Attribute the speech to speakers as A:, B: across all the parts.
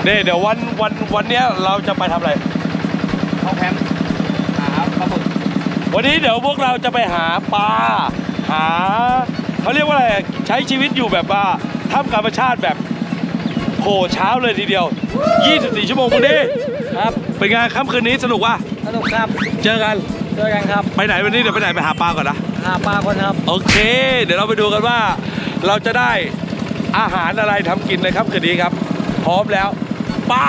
A: นี่เดี๋ยววันนี้เราจะไปทำอะไร
B: เข้าแคมป์หาปลาหมึก
A: วันนี้เดี๋ยวพวกเราจะไปหาปลาหาเขาเรียกว่าอะไรใช้ชีวิตอยู่แบบว่าท่ามกลางธรรมชาติแบบโหเช้าเลยทีเดียว24 ชั่วโมงวันนี้ครับเป็นไงค่ำคืนนี้สนุกว่ะ
B: สนุกครับ
A: เจอกัน
B: ครับ
A: ไปไหนวันนี้เดี๋ยวไปไหนไปหาปลาก่อนนะ
B: หาปลาก่อนครับ
A: โอเคเดี๋ยวเราไปดูกันว่าเราจะได้อาหารอะไรทำกินในค่ำคืนนี้ครับพร้อมแล้วป้า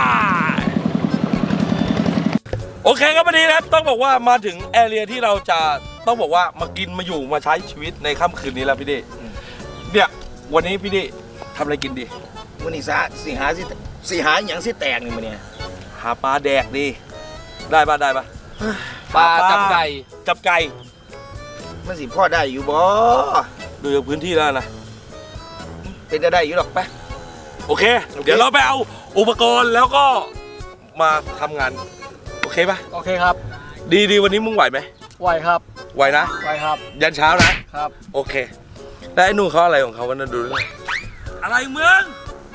A: โอเคครับวันนี้นะครับต้องบอกว่ามาถึงแอเรียที่เราจะต้องบอกว่ามากินมาอยู่มาใช้ชีวิตในค่ำคืนนี้แล้วพี่ดิเนี่ยวันนี้พี่ดิทำอะไรกินดี
C: วันนี้สิหาอย่างสิแตกนี่มันเนี่ย
A: หาปลาแดกดีได้ปะ
B: ปลาจับไก่
C: มันสิพ่อได้อยู่บ่
A: ดูจากพื้นที่แล้วนะ
C: เป็นได้อยู่หรอกปะ
A: โอเคเดี๋ยวเราไปเอาอุปกรณ์แล้วก็มาทำงานโอเคปะ
B: โอเคครับ
A: ดีวันนี้มึงไหวไหม
B: ไหวครับ
A: ไหวนะ
B: ไหวครับ
A: ยันเช้านะครับโอเคแล้วไอ้นู่นเขาอะไรของเขาวันนั้นดูด้วยอะไรเมือง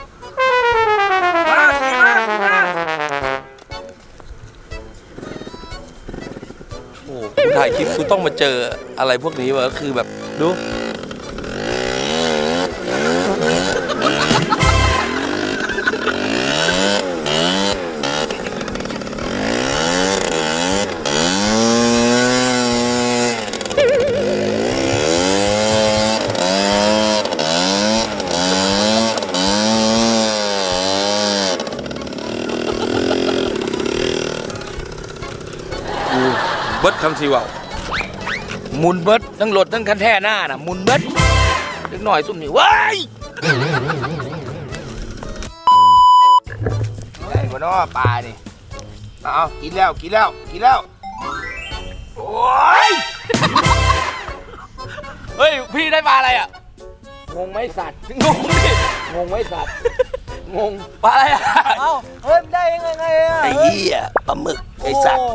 A: มาโอ้กูถ่ายคลิปกูต้องมาเจออะไรพวกนี้วะก็คือแบบดูเบิร์ดคำซีว่าว
C: มุนเบิดทั้งรถทั้งคันแท่หน้าน่ะมุนเบิดเล็กหน่อยสุ่มนี่ว้ายใหญ่กว่าน้อปลานี่เอากินแล้วโอ้ย
B: เฮ้ยพี่ได้ปลาอะไรอ่ะ
C: งงไหมสัตว์
B: งงดิ
C: งงไหมสัตว์งง
B: ปลาอะไรอ่ะ
C: เอ้าเฮ้ยได้ยังไงอ่ะไอ้เหี้ยปลาหมึกไอ้สัตว์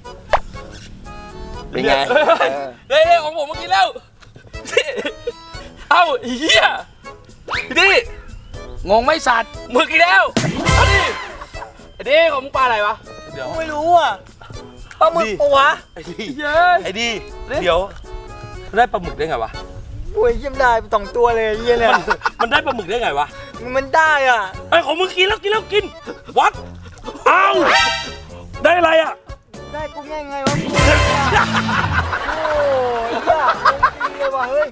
C: เป็นไง
B: เฮ้ยของผมเมื่อกี้แล้วเอ้าเหี้ยดิ
C: งงไหมสัตว์
B: หมึกอีกแล้วเอาดิของมึงปลาอะไรวะ
C: เดี๋ยวไม่รู้อ่ะปลาหมึกปะวะ
A: ไอ้ดีเดี๋ยวได้ปลาหมึกได้ไงวะ
C: โอ้ยเยี่ยมได้2 ตัวเลยเยี่ยเนี่ย
A: มันได้ปลาหมึกได้ไงวะ
C: มันได้อ่ะ
A: ไอ้ของมึงกินแล้ววัดเอ้าได้อะไรอ่ะ
C: ได้กูง่ายไงวะโอ้ยยากจริงเลยว่ะเฮ้ย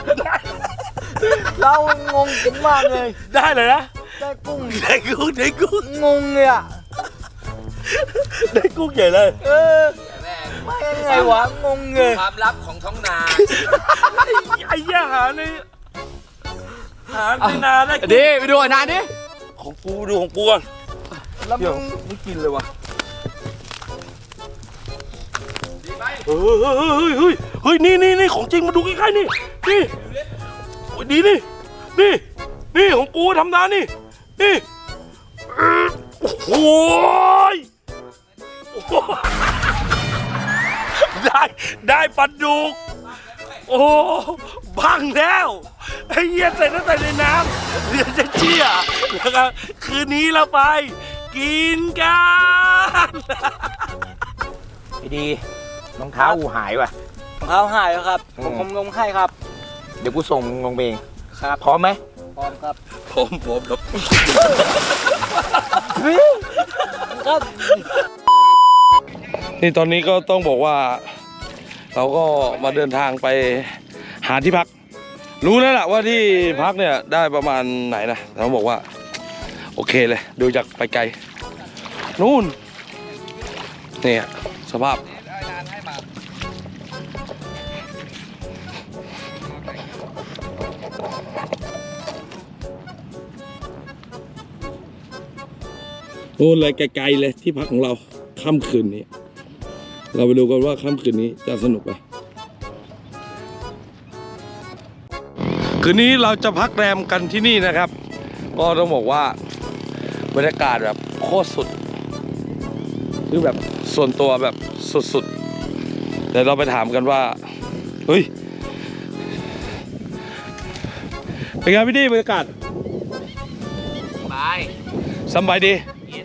C: เรางงจริงมากเลย
A: ได้เลยนะ
C: ได้กุ้ง
A: ง
C: งเลยอ่ะ
A: ได้กุ้งใหญ่เลย
C: ไม่ยังไงวะงงเลย
B: ความลับของท้องนา
A: ไอ้ย่าหาในนาได้
B: ดิไปดูนาดิ
A: ของกูดูของกูก่อน
C: แล้วมึงไม่กินเลยวะ
A: เฮ้ยนี่ของจริงมาดูใกล้ๆนี่ดีนี่ของกูทำนานี่โอ้ยได้ปลาดุกโอ้บังแล้วไอ้เหี้ยใส่ตั้งแต่ในน้ำเดี๋ยวจะเชี่ยแล้วก็คืนนี้เราไปกินกัน
C: ดีรองเท้ากูหายว่ะ
B: รองเท้าหายแล้วครับผมลงให้ครับ
C: เดี๋ยวกูส่งลงเอง
B: ครับ
C: พร้อมไหม
B: พร้อมครับ
A: พร้อมครับนี่ตอนนี้ก็ต้องบอกว่าเราก็มาเดินทางไปหาที่พักรู้แล้วล่ะว่าที่พักเนี่ยได้ประมาณไหนนะเราบอกว่าโอเคเลยดูจากไปไกลนู่นเนี่ยสภาพโอ้เลยไกลๆเลยที่พักของเราค่ำคืนนี้เราไปดูกันว่าค่ำคืนนี้จะสนุกไหมคืนนี้เราจะพักแรมกันที่นี่นะครับก็ต้องบอกว่าบรรยากาศแบบโคตรสุดคือแบบส่วนตัวแบบสุดๆเดี๋ยวเราไปถามกันว่าเฮ้ยเป็นไงพี่ดีบรรยากาศ
B: สบาย
A: สบายดี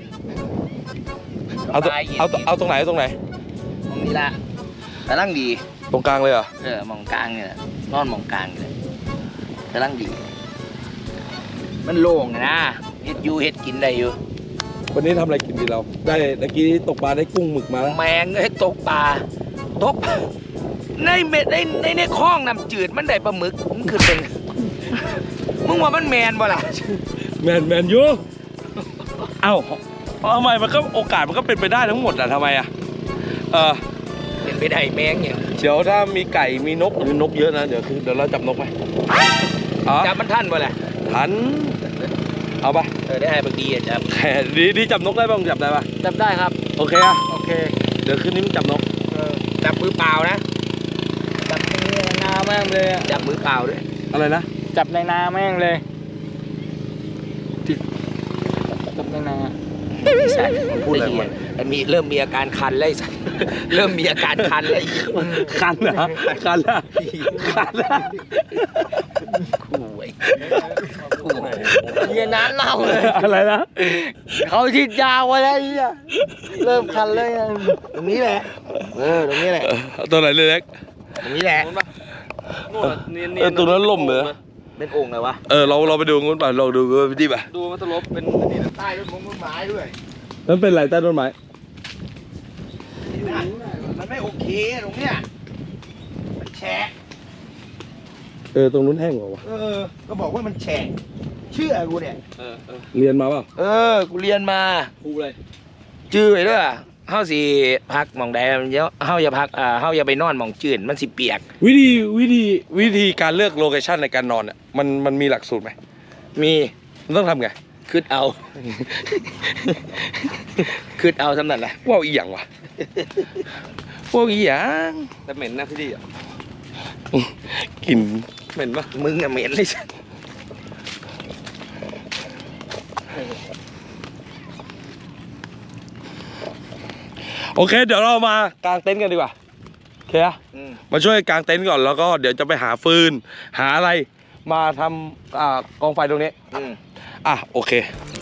A: เอาตรงไหนตรงไหน
C: ตรงนี้ละกำลังดี
A: ตรงกลางเลยเหรอ
C: มองกลางเนี่ยนอนมองกลางเลยกำลังดี มันโล่งนะเฮ็ดอยู่เฮ็ดกินได้อยู่
A: วันนี้ทำอะไรกินดีเรา ได้เมื่อกี้ตกปลาได้กุ้งหมึกมาแล้ว
C: แมงเอ้ยตกปลาในเม็ดในคลองน้ำจืดมันได้ปลาหมึกมันคือเป็น มึงว่ามันแมนบ่ล่ะ
A: แมนยูเอ้าทำไมมันก็โอกาสมันก็เป็นไปได้ทั้งหมดอะทำไมอะ
C: เป็นไปได้แมงเนี่ย
A: เดี๋ยวถ้ามีไก่มีนกหรือนกเยอะนะเดี๋ยวเราจับนกไหม
C: จับมันทันบ่ล่ะ
A: ทันเอาปะ
C: ได้ให้บางทีจับ
A: แค่ดีจับนกได้บ้างจับได้ปะ
C: จับได้ครับ
A: โอเคอะ
C: โอเค
A: เดี๋ยวคืนนี้มึงจับนก
C: จับมือเปล่านะจับในนาแม่งเลยจับมือเปล่าด้วย
A: อะไรนะ
C: จับในนาแม่งเลยจับในนาใช่พูดอะไรวะเริ่มมีอาการคันเลยเริ่มมีอาการคันเลย
A: คันเหรอคันละคันละ
C: เฮียน้ำเน่าเลย
A: อะไรนะ
C: เขาฉีดยาไว้แล้วเฮียเริ่มคันเลยตรงนี้แหละตรงนี้แหละ
A: ตัวไหนเล็ก
C: ตรงนี้แหละ
A: ตรงนั้นล่มเหรอ
C: เป็นโอ่งไงวะ
A: เราไปดูงูนป่ะเราดูดิป่ะ
B: ดูมันตลบเป็นใต้ต้นไม้ด้วย
A: นั่นเป็นไรใต้ต้นไม้
C: มันไม่โอเคตรงเนี้ยมันแฉะ
A: ตรงนู้นแห้งกว่าวะ
C: ก็บอกว่ามันแฉะเชื่อกูเนี่ย
A: เรียนมาเปล่า
C: กูเรียนมา
A: ครูอะไร
C: จื้อไว้ด้วยเฮาสิพักหม่องใดเฮาอย่าพักเฮาอย่าไปนอนหม่องจืดมันสิเปียก
A: วิธีการเลือกโลเคชั่นในการนอนเนี่ยมันมีหลักสูตรไหม
C: มี
A: มันต้องทำไง
C: คืดเอา คืดเอาทำนั่นแหละ
A: ว่าวอีหยังวะว่าวอีหยัง
B: แต่เหม็นนะพี่ดีอ่ะ
A: กลิ่น
B: เหม็นปะ
C: มึงอะเหม็นเลย
A: โอเค เดี๋ยวเรามากางเต็นท์กันดีกว่าโอเคอะมาช่วยกางเต็นท์ก่อนแล้วก็เดี๋ยวจะไปหาฟืนหาอะไรมาทำกองไฟตรงนี้โอเค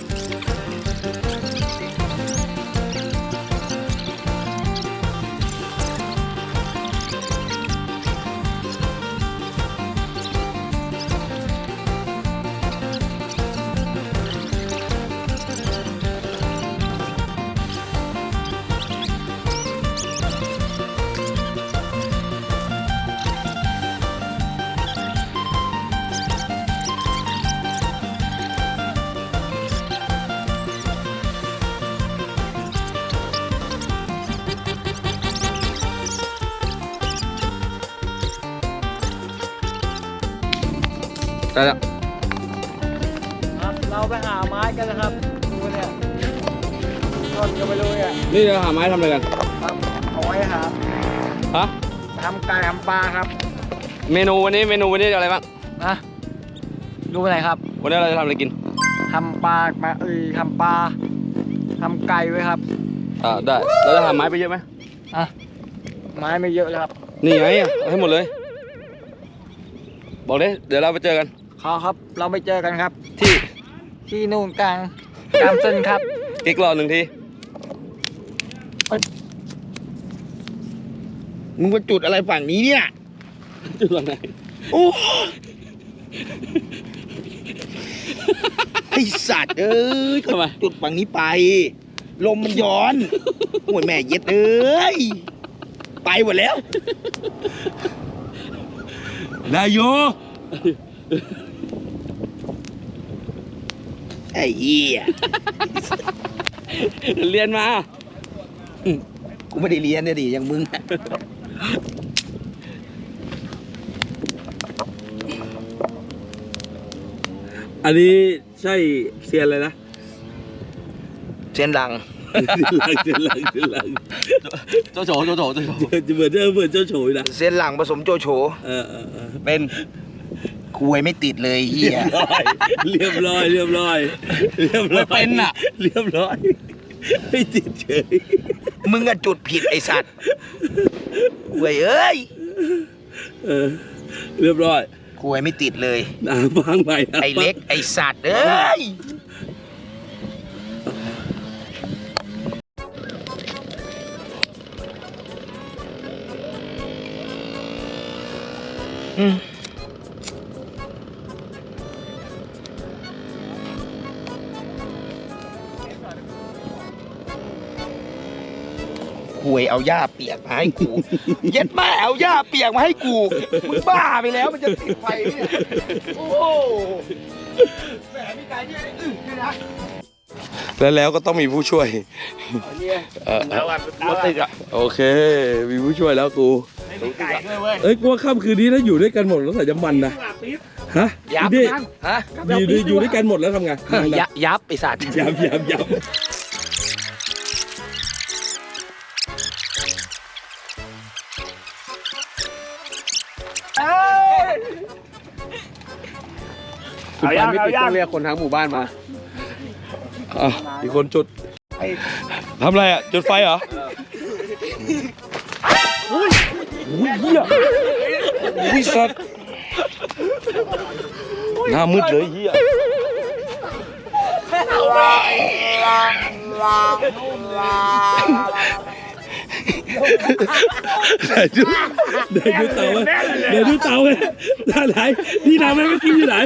A: ได้แล้ว
C: ครับเราไปหาไม้กันนะครับดูเนี่ยชนกันไปเลยอ่ะ
A: นี่เราหาไม้ทำอะไรกัน
C: ครับเอาไว้หา
A: ฮะ
C: ทำไก่ทำปลาครับ
B: เมนูวันนี้อะไรบ้าง
C: นะดูไปไหนครับ
B: วันนี้เราจะทำอะไรกิน
C: ทำปลาทำปลาทำไก่ไว้ครับ
B: ได้เราจะหาไม้ไปเยอะไหม
C: ไม้ไม่เยอะเลยครับ
B: นี่ไงเอาให้หมดเลย บอกเลยเดี๋ยวเราไปเจอกัน
C: ครับเราไปเจอกันครับ
B: ที่
C: ที่นู่นกลางเส้นครับ
B: อีกรอบหนึ่งที
C: มึงมาจุดอะไรฝั่งนี้เนี่ย
B: จุดหลังไหน
C: โอ้ไอสัตว์ก็จุดฝั่งนี้ไป ลมมันย้อนโอ้ยแม่เย็ดไปหมดแล้ว
A: ได้อยู่
C: ไอ้เหี้ย
B: เรียนมา
C: กูไม่ได้เรียนเนี่ยดิอย่างมึง
A: อันนี้ใช่เซียนเลยนะ
C: เส้นหลัง
A: เซียนหลัง
B: เจ้าโฉ
A: เหมือนเจ้าโฉยนะ
C: เส้นหลังผสมโจโฉ
B: เป็น
C: คุยไม่ติดเลยเหี้ย
A: เรียบร้อย
B: ไม่เป็นอ่ะ
A: เรียบร้อยไม่ติดเฉย
C: มึงอะจุดผิดไอสัตว์เว้ยเอ้ย
A: เรียบร้อย
C: คุยไม่ติดเลย
A: ฟังไป
C: ไอเล็กไอสัตว์เอ้ยหวยเอาหญ้าเปียกมาให้กู เย็ดแม่เอาหญ้าเปียกมาให้กู มึงบ้าไปแล้วมันจะติดไฟไหมเนี่ย โอ้โหแหมมีการยืดด้วยนะ
A: แล้วก็ต้องมีผู้ช่วยโอเค มีผู้ช่วยแล้วกู
C: มีไก่ด้วยเว้ย
A: เอ้ยกูว่าค่ำคืนนี้ถ้าอยู่ด้วยกันหมดแล้วใส่จะมันนะฮะ
C: ยับ
A: ดิ
C: ฮะ
A: อยู่ด้วยกันหมดแล้วทำไง
C: ยับไอสัตว์
A: ยับเอาย่างต้องเรียกคนทั้งหมู่บ้านมาอีกคนจุดทำอะไรอ่ะจุดไฟเหรออุ้ยเหี้ยอุ้ยสัตว์หน้ามืดเลยเหี้ยเดี๋ยวดูเตาไหมเดี๋ยวดูเตาไหมท่าไหนที่ทำให้เมื่อกี้อยู่ไหน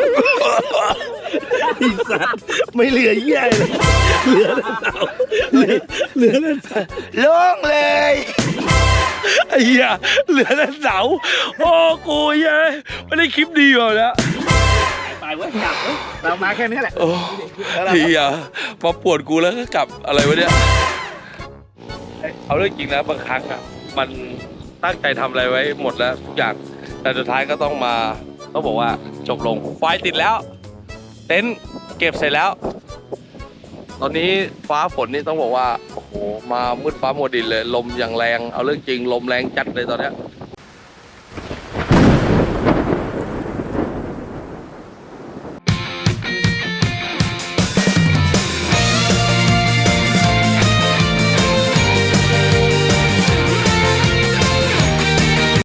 A: ไอ้สัตว์ไม่เหลือเหี้ยเลยเหลือแต่เตาเหลือแต่เตา
C: โล่งเลย
A: ไอ้เหี้ยเหลือแต่เสาโอ้กูเย้ยไม่ได้คลิปดีกว่าแล้ว
C: ไปเว้ยกลับเรามาแค่นี้แหละ
A: โอ้เหี้ยมาปวดกูแล้วก็กลับอะไรวะเนี่ยเอาเรื่องจริงนะบางครั้งอ่ะมันตั้งใจทำอะไรไว้หมดแล้วทุกอย่างแต่สุดท้ายก็ต้องบอกว่าจบลงไฟติดแล้วเต็นท์เก็บเสร็จแล้ว ตอนนี้ฟ้าฝนนี่ต้องบอกว่าโอ้โหมามืดฟ้ามัวดินเลยลมอย่างแรงเอาเรื่องจริงลมแรงจัดเลยตอนเนี้ย